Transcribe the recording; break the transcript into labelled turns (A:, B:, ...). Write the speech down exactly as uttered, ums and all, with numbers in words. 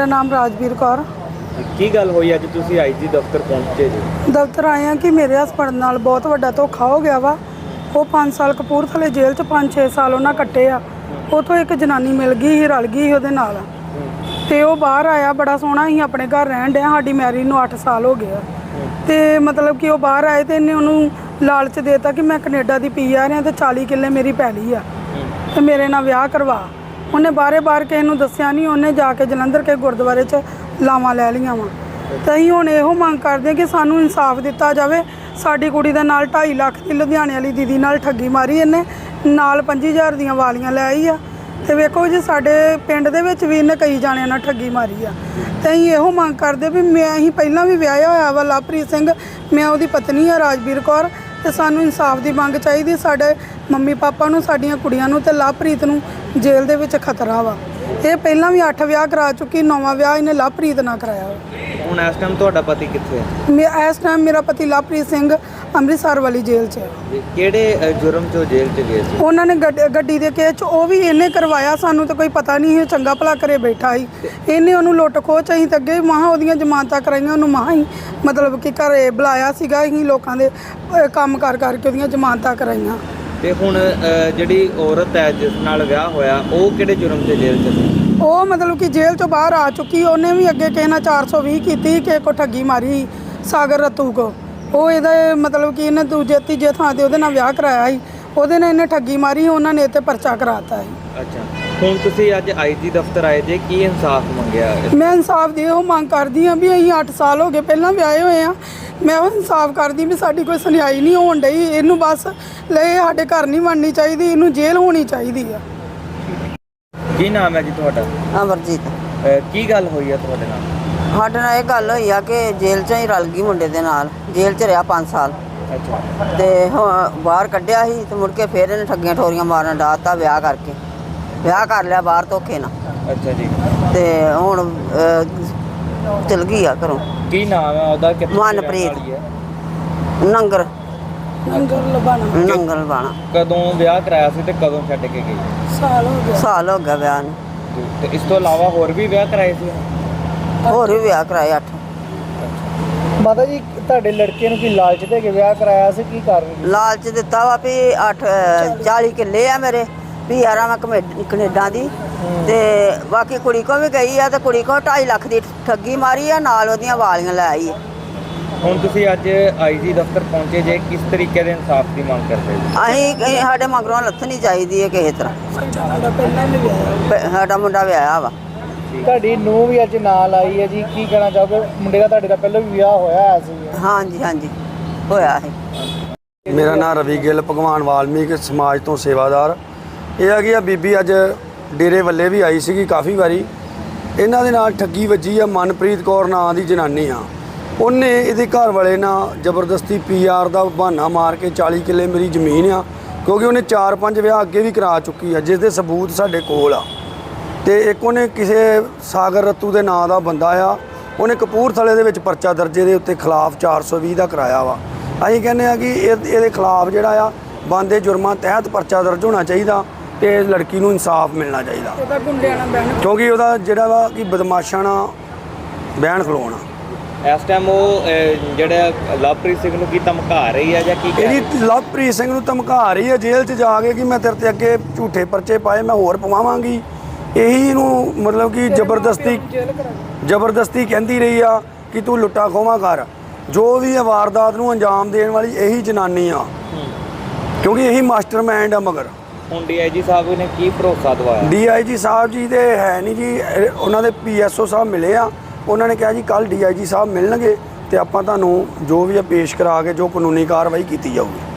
A: मेरा नाम राजवीर कौर।
B: ਕੀ ਗੱਲ ਹੋਈ ਅੱਜ ਤੁਸੀਂ ਆਈਜੀ ਦਫ਼ਤਰ ਪਹੁੰਚੇ ਜੀ?
A: ਦਫ਼ਤਰ ਆਏ ਆ ਕਿ ਮੇਰੇ ਹਸਬੰਡ ਨਾਲ ਬਹੁਤ ਵੱਡਾ ਧੋਖਾ ਹੋ ਗਿਆ ਵਾ। ਉਹ ਪੰਜ ਸਾਲ ਕਪੂਰਥਲੇ ਜੇਲ੍ਹ 'ਚ ਪੰਜ ਛੇ ਸਾਲ ਉਹਨਾਂ ਕੱਟੇ ਆ। ਉੱਥੋਂ ਇੱਕ ਜਨਾਨੀ ਮਿਲ ਗਈ ਸੀ, ਰਲ ਗਈ ਸੀ ਉਹਦੇ ਨਾਲ, ਤੇ ਉਹ ਬਾਹਰ ਆਇਆ। ਬੜਾ ਸੋਹਣਾ ਸੀ, ਆਪਣੇ ਘਰ ਰਹਿਣ ਡਿਆ। ਸਾਡੀ ਮੈਰਿਜ ਨੂੰ ਅੱਠ ਸਾਲ ਹੋ ਗਏ ਆ। ਤੇ ਮਤਲਬ ਕਿ ਉਹ ਬਾਹਰ ਆਏ ਤੇ ਇਹਨੇ ਉਹਨੂੰ ਲਾਲਚ ਦੇਤਾ ਕਿ ਮੈਂ ਕੈਨੇਡਾ ਦੀ ਪੀ ਆ ਰਿਹਾ ਤੇ ਚਾਲੀ ਕਿੱਲੇ ਮੇਰੀ ਪੈਲੀ ਆ ਤੇ ਮੇਰੇ ਨਾਲ ਵਿਆਹ ਕਰਵਾ। ਉਹਨੇ ਬਾਰੇ ਬਾਰ ਕਿਸੇ ਨੂੰ ਦੱਸਿਆ ਨਹੀਂ। ਉਹਨੇ ਜਾ ਕੇ ਜਲੰਧਰ ਕੇ ਗੁਰਦੁਆਰੇ 'ਚ ਲਾਵਾਂ ਲੈ ਲਈਆਂ ਵਾ। ਤੇ ਅਸੀਂ ਹੁਣ ਇਹੋ ਮੰਗ ਕਰਦੇ ਹਾਂ ਕਿ ਸਾਨੂੰ ਇਨਸਾਫ ਦਿੱਤਾ ਜਾਵੇ। ਸਾਡੀ ਕੁੜੀ ਦੇ ਨਾਲ ਢਾਈ ਲੱਖ ਦੀ ਲੁਧਿਆਣੇ ਵਾਲੀ ਦੀਦੀ ਨਾਲ ਠੱਗੀ ਮਾਰੀ ਇਹਨੇ, ਨਾਲ ਪੰਜੀ ਹਜ਼ਾਰ ਦੀਆਂ ਵਾਲੀਆਂ ਲੈ ਆਈ ਆ। ਤੇ ਵੇਖੋ ਜੀ, ਸਾਡੇ ਪਿੰਡ ਦੇ ਵਿੱਚ ਵੀ ਇਹਨੇ ਕਈ ਜਾਣਿਆਂ ਨਾਲ ਠੱਗੀ ਮਾਰੀ ਆ। ਤੇ ਅਸੀਂ ਇਹੋ ਮੰਗ ਕਰਦੇ ਵੀ ਮੈਂ ਅਸੀਂ ਪਹਿਲਾਂ ਵੀ ਵਿਆਹਿਆ ਹੋਇਆ ਵਾ ਲਵਪ੍ਰੀਤ ਸਿੰਘ, ਮੈਂ ਉਹਦੀ ਪਤਨੀ ਆ ਰਾਜਵੀਰ ਕੌਰ। ਤੇ ਸਾਨੂੰ ਇਨਸਾਫ ਦੀ ਮੰਗ ਚਾਹੀਦੀ। ਸਾਡੇ ਮੰਮੀ ਪਾਪਾ ਨੂੰ, ਸਾਡੀਆਂ ਕੁੜੀਆਂ ਨੂੰ ਤੇ ਲਵਪ੍ਰੀਤ ਨੂੰ ਜੇਲ੍ਹ ਦੇ ਵਿੱਚ ਖਤਰਾ ਵਾ। ਇਹ ਪਹਿਲਾਂ ਵੀ ਅੱਠ ਵਿਆਹ ਕਰਾ ਚੁੱਕੀ, ਨੌਵਾਂ ਵਿਆਹ ਇਹਨੇ ਲਵਪ੍ਰੀਤ ਨਾਲ ਕਰਾਇਆ।
B: ਹੁਣ ਇਸ ਟਾਈਮ ਤੁਹਾਡਾ ਪਤੀ ਕਿੱਥੇ ਹੈ?
A: ਮੈਂ ਇਸ ਟਾਈਮ ਮੇਰਾ ਪਤੀ ਲਵਪ੍ਰੀਤ ਸਿੰਘ ਅੰਮ੍ਰਿਤਸਰ ਵਾਲੀ ਜੇਲ੍ਹ 'ਚ ਹੈ।
B: ਕਿਹੜੇ ਜੁਰਮ 'ਚ ਜੇਲ੍ਹ 'ਚ ਗਏ ਸੀ?
A: ਉਹਨਾਂ ਨੇ ਗੱਡੀ ਦੇ ਕੇਸ 'ਚ ਉਹ ਵੀ ਇਹਨੇ ਕਰਵਾਇਆ। ਸਾਨੂੰ ਤਾਂ ਕੋਈ ਪਤਾ ਨਹੀਂ ਸੀ, ਚੰਗਾ ਭਲਾ ਘਰੇ ਬੈਠਾ ਸੀ। ਇਹਨੇ ਉਹਨੂੰ ਲੁੱਟ ਖੋਹ ਚ ਅਸੀਂ ਤਾਂ ਅੱਗੇ ਮਹਾਂ ਉਹਦੀਆਂ ਜ਼ਮਾਨਤਾਂ ਕਰਾਈਆਂ। ਉਹਨੂੰ ਮਹਾਂ ਹੀ ਮਤਲਬ ਕਿ ਘਰੇ ਬੁਲਾਇਆ ਸੀਗਾ। ਅਸੀਂ ਲੋਕਾਂ ਦੇ ਕੰਮ ਕਰ ਕਰਕੇ ਉਹਦੀਆਂ ਜ਼ਮਾਨਤਾਂ ਕਰਾਈਆਂ।
B: ਤੇ ਹੁਣ ਜਿਹੜੀ ਔਰਤ ਹੈ ਜਿਸ ਨਾਲ ਵਿਆਹ ਹੋਇਆ, ਉਹ ਕਿਹੜੇ ਜੁਰਮ 'ਚ ਜੇਲ੍ਹ 'ਚ ਸੀ?
A: ਉਹ ਮਤਲਬ ਕਿ ਜੇਲ੍ਹ ਤੋਂ ਬਾਹਰ ਆ ਚੁੱਕੀ। ਉਹਨੇ ਵੀ ਅੱਗੇ ਕਿਸੇ ਨਾਲ ਚਾਰ ਸੌ ਵੀਹ ਕੀਤੀ, ਕਿਸੇ ਕੋ ਠੱਗੀ ਮਾਰੀ, ਸਾਗਰ ਰਤੂ ਕੋ। ਉਹ ਇਹਦਾ ਮਤਲਬ ਕਿ ਇਹਨੇ ਦੂਜੇ ਤੀਜੇ ਥਾਂ 'ਤੇ ਉਹਦੇ ਨਾਲ ਵਿਆਹ ਕਰਾਇਆ ਸੀ। ਉਹਦੇ ਨਾਲ ਇਹਨੇ ਠੱਗੀ ਮਾਰੀ, ਉਹਨਾਂ ਨੇ ਇਹ 'ਤੇ ਪਰਚਾ ਕਰਾਤਾ ਸੀ।
B: ਅੱਛਾ, ਹੁਣ ਤੁਸੀਂ ਅੱਜ ਆਈਜੀ ਦਫ਼ਤਰ ਆਏ ਜੇ, ਕੀ ਇਨਸਾਫ ਮੰਗਿਆ?
A: ਮੈਂ ਇਨਸਾਫ ਦੀ ਉਹ ਮੰਗ ਕਰਦੀ ਹਾਂ ਵੀ ਅਸੀਂ ਅੱਠ ਸਾਲ ਹੋ ਗਏ ਪਹਿਲਾਂ ਵਿਆਹੇ ਹੋਏ ਆ। ਮੈਂ ਉਹ ਇਨਸਾਫ ਕਰਦੀ ਵੀ ਸਾਡੀ ਕੋਈ ਸੁਣਾਈ ਨਹੀਂ ਹੋਣ ਡਈ। ਇਹਨੂੰ ਬਸ ਲੈ ਸਾਡੇ ਘਰ ਨਹੀਂ ਬਣਨੀ ਚਾਹੀਦੀ, ਇਹਨੂੰ ਜੇਲ੍ਹ ਹੋਣੀ ਚਾਹੀਦੀ ਆ।
B: ਕੀ ਨਾਮ ਹੈ ਜੀ ਤੁਹਾਡਾ?
C: ਅਮਰਜੀਤ।
B: ਕੀ ਗੱਲ ਹੋਈ ਹੈ ਤੁਹਾਡੇ ਨਾਲ?
C: ਸਾਡੇ ਨਾਲ ਇਹ ਗੱਲ ਹੋਈ ਆ ਕਿ ਜੇਲ੍ਹ 'ਚੋਂ ਹੀ ਰਲ ਗਈ ਮੁੰਡੇ ਦੇ ਨਾਲ। ਜੇਲ੍ਹ 'ਚ ਰਿਹਾ ਪੰਜ ਸਾਲ।
B: ਅੱਛਾ।
C: ਤੇ ਹੁਣ ਬਾਹਰ ਕੱਢਿਆ ਸੀ ਤੇ ਮੁੜ ਕੇ ਫਿਰ ਇਹਨੇ ਠੱਗੀਆਂ ਠੋਰੀਆਂ ਮਾਰਨ ਡਾਤਾ ਵਿਆਹ ਕਰਕੇ। ਵਿਆਹ ਕਰ ਲਿਆ ਬਾਹਰ ਧੋਖੇ ਨਾਲ।
B: ਅੱਛਾ ਜੀ।
C: ਤੇ ਹੁਣ ਚਲ ਗਈ ਆ ਘਰੋਂ।
B: ਕੀ ਨਾਮ ਹੈ ਉਹਦਾ? ਕਿੱਥੇ
C: ਮਨਪ੍ਰੀਤ ਨੰਗਰ
A: ਨੰਗਰ ਲਬਾਣਾ।
C: ਨੰਗਰ ਲਬਾਣਾ।
B: ਕਦੋਂ ਵਿਆਹ ਕਰਾਇਆ ਸੀ ਤੇ ਕਦੋਂ ਛੱਡ ਕੇ ਗਈ?
A: ਸਾਲ ਹੋ ਗਿਆ।
C: ਸਾਲ ਹੋ ਗਿਆ ਵਿਆਹ ਨੂੰ।
B: ਤੇ ਇਸ ਤੋਂ ਇਲਾਵਾ ਹੋਰ ਵੀ ਵਿਆਹ ਕਰਾਏ ਸੀ?
C: ਹੋਰ ਵੀ ਵਿਆਹ ਕਰਾਏ ਅੱਠ।
D: ਮਾਤਾ ਜੀ, ਤੁਹਾਡੇ ਲੜਕੇ ਨੂੰ ਕੀ ਲਾਲਚ ਦੇ ਕੇ ਵਿਆਹ ਕਰਾਇਆ ਸੀ? ਕੀ ਕਾਰਨ?
C: ਲਾਲਚ ਦਿੱਤਾ ਵਾ ਵੀ ਅੱਠ ਚਾਲੀ ਕਿੱਲੇ ਆ ਮੇਰੇ, ਵੀ ਆ ਮੈਂ ਕੈਨੇਡਾ ਦੀ। ਤੇ ਬਾਕੀ ਕੁੜੀ ਕੋ ਵੀ ਗਈ ਆ ਤੇ ਕੁੜੀ ਕੋ ਢਾਈ ਲੱਖ ਦੀ ਠੱਗੀ ਮਾਰੀ ਆ, ਨਾਲ ਉਹਦੀਆਂ ਵਾਲੀਆਂ ਲੈ ਆਈ।
B: ਹੁਣ ਤੁਸੀਂ ਅੱਜ ਆਈਜੀ ਦਫ਼ਤਰ ਪਹੁੰਚੇ ਜੇ, ਕਿਸ ਤਰੀਕੇ ਦੇ ਇਨਸਾਫ ਦੀ ਮੰਗ ਕਰਦੇ ਜੀ?
C: ਅਸੀਂ ਸਾਡੇ ਮਗਰੋਂ ਲੱਥਣੀ ਚਾਹੀਦੀ ਹੈ ਕਿਸੇ ਤਰ੍ਹਾਂ।
A: ਸਾਡਾ ਪਹਿਲਾਂ ਵੀ ਵਿਆਹਿਆ।
C: ਸਾਡਾ ਮੁੰਡਾ ਵਿਆਹਿਆ ਵਾ।
D: ਤੁਹਾਡੀ ਨੂੰਹ ਵੀ ਅੱਜ ਨਾਲ ਆਈ ਹੈ ਜੀ, ਕੀ ਕਹਿਣਾ ਚਾਹੋਗੇ? ਮੁੰਡੇ ਦਾ ਤੁਹਾਡੇ ਦਾ ਪਹਿਲਾਂ ਵੀ ਵਿਆਹ ਹੋਇਆ ਸੀ?
C: ਹਾਂਜੀ ਹਾਂਜੀ ਹੋਇਆ ਹੈ।
E: ਮੇਰਾ ਨਾਮ ਰਵੀ ਗਿੱਲ, ਭਗਵਾਨ ਵਾਲਮੀਕ ਸਮਾਜ ਤੋਂ ਸੇਵਾਦਾਰ। ਇਹ ਆ ਕਿ ਆ ਬੀਬੀ ਅੱਜ ਡੇਰੇ ਵੱਲੇ ਵੀ ਆਈ ਸੀਗੀ ਕਾਫੀ ਵਾਰੀ। ਇਹਨਾਂ ਦੇ ਨਾਲ ਠੱਗੀ ਵੱਜੀ ਆ। ਮਨਪ੍ਰੀਤ ਕੌਰ ਨਾਂ ਦੀ ਜਨਾਨੀ ਆ। ਉਹਨੇ ਇਹਦੇ ਘਰ ਵਾਲੇ ਨਾਲ ਜ਼ਬਰਦਸਤੀ ਪੀ ਆਰ ਦਾ ਬਹਾਨਾ ਮਾਰ ਕੇ ਚਾਲੀ ਕਿੱਲੇ ਮੇਰੀ ਜ਼ਮੀਨ ਆ, ਕਿਉਂਕਿ ਉਹਨੇ ਚਾਰ ਪੰਜ ਵਿਆਹ ਅੱਗੇ ਵੀ ਕਰਾ ਚੁੱਕੀ ਆ, ਜਿਸ ਦੇ ਸਬੂਤ ਸਾਡੇ ਕੋਲ ਆ। ਤੇ ਇੱਕ ਉਹਨੇ ਕਿਸੇ ਸਾਗਰ ਰਤੂ ਦੇ ਨਾਂ ਦਾ ਬੰਦਾ ਆ, ਉਹਨੇ ਕਪੂਰਥਲੇ ਦੇ ਵਿੱਚ ਪਰਚਾ ਦਰਜੇ ਦੇ ਉੱਤੇ ਖਿਲਾਫ ਚਾਰ ਸੌ ਵੀਹ ਦਾ ਕਰਾਇਆ ਵਾ। ਅਸੀਂ ਕਹਿੰਦੇ ਆ ਕਿ ਇਹ ਇਹਦੇ ਖਿਲਾਫ ਜਿਹੜਾ ਆ ਬਣਦੇ ਜੁਰਮਾਂ ਤਹਿਤ ਪਰਚਾ ਦਰਜ ਹੋਣਾ ਚਾਹੀਦਾ ਤੇ ਇਸ ਲੜਕੀ ਨੂੰ ਇਨਸਾਫ ਮਿਲਣਾ ਚਾਹੀਦਾ,
A: ਉਹਦਾ ਗੁੰਡਿਆਂ ਨਾਲ ਬਹਿਣ।
E: ਕਿਉਂਕਿ ਉਹਦਾ ਜਿਹੜਾ ਵਾ ਕਿ ਬਦਮਾਸ਼ਾਂ ਨਾਲ ਬਹਿਣ ਖਲੋਣਾ।
B: ਇਸ ਟਾਈਮ ਉਹ ਜਿਹੜਾ ਲਵਪ੍ਰੀਤ ਸਿੰਘ ਨੂੰ ਕੀ ਧਮਕਾ ਰਹੀ ਹੈ ਜਾਂ ਕੀ ਕਹਿ ਰਹੀ?
E: ਇਹਦੀ ਲਵਪ੍ਰੀਤ ਸਿੰਘ ਨੂੰ ਧਮਕਾ ਰਹੀ ਹੈ ਜੇਲ੍ਹ 'ਚ ਜਾ ਕੇ ਕਿ ਮੈਂ ਤੇਰੇ 'ਤੇ ਅੱਗੇ ਝੂਠੇ ਪਰਚੇ ਪਾਏ, ਮੈਂ ਹੋਰ ਪਵਾਵਾਂਗੀ। ਇਹੀ ਇਹਨੂੰ ਮਤਲਬ ਕਿ ਜ਼ਬਰਦਸਤੀ ਜ਼ਬਰਦਸਤੀ ਕਹਿੰਦੀ ਰਹੀ ਆ ਕਿ ਤੂੰ ਲੁੱਟਾ ਖੋਹਾਂ ਕਰ। ਜੋ ਵੀ ਇਹ ਵਾਰਦਾਤ ਨੂੰ ਅੰਜਾਮ ਦੇਣ ਵਾਲੀ ਇਹੀ ਜਨਾਨੀ ਆ, ਕਿਉਂਕਿ ਇਹੀ ਮਾਸਟਰਮਾਈਂਡ ਆ। ਮਗਰ
B: ਹੁਣ ਡੀ ਆਈ ਜੀ ਸਾਹਿਬ ਨੇ ਕੀ ਭਰੋਸਾ ਦਵਾਇਆ? ਡੀ
E: ਆਈ ਜੀ ਸਾਹਿਬ ਜੀ ਦੇ ਹੈ ਨਹੀਂ ਜੀ, ਉਹਨਾਂ ਦੇ ਪੀ ਐਸ ਓ ਸਾਹਿਬ ਮਿਲੇ ਆ। ਉਹਨਾਂ ਨੇ ਕਿਹਾ ਜੀ ਕੱਲ੍ਹ ਡੀ ਆਈ ਜੀ ਸਾਹਿਬ ਮਿਲਣਗੇ ਤੇ ਆਪਾਂ ਤੁਹਾਨੂੰ ਜੋ ਵੀ ਆ ਪੇਸ਼ ਕਰਾ ਕੇ ਜੋ ਕਾਨੂੰਨੀ ਕਾਰਵਾਈ ਕੀਤੀ ਜਾਊਗੀ।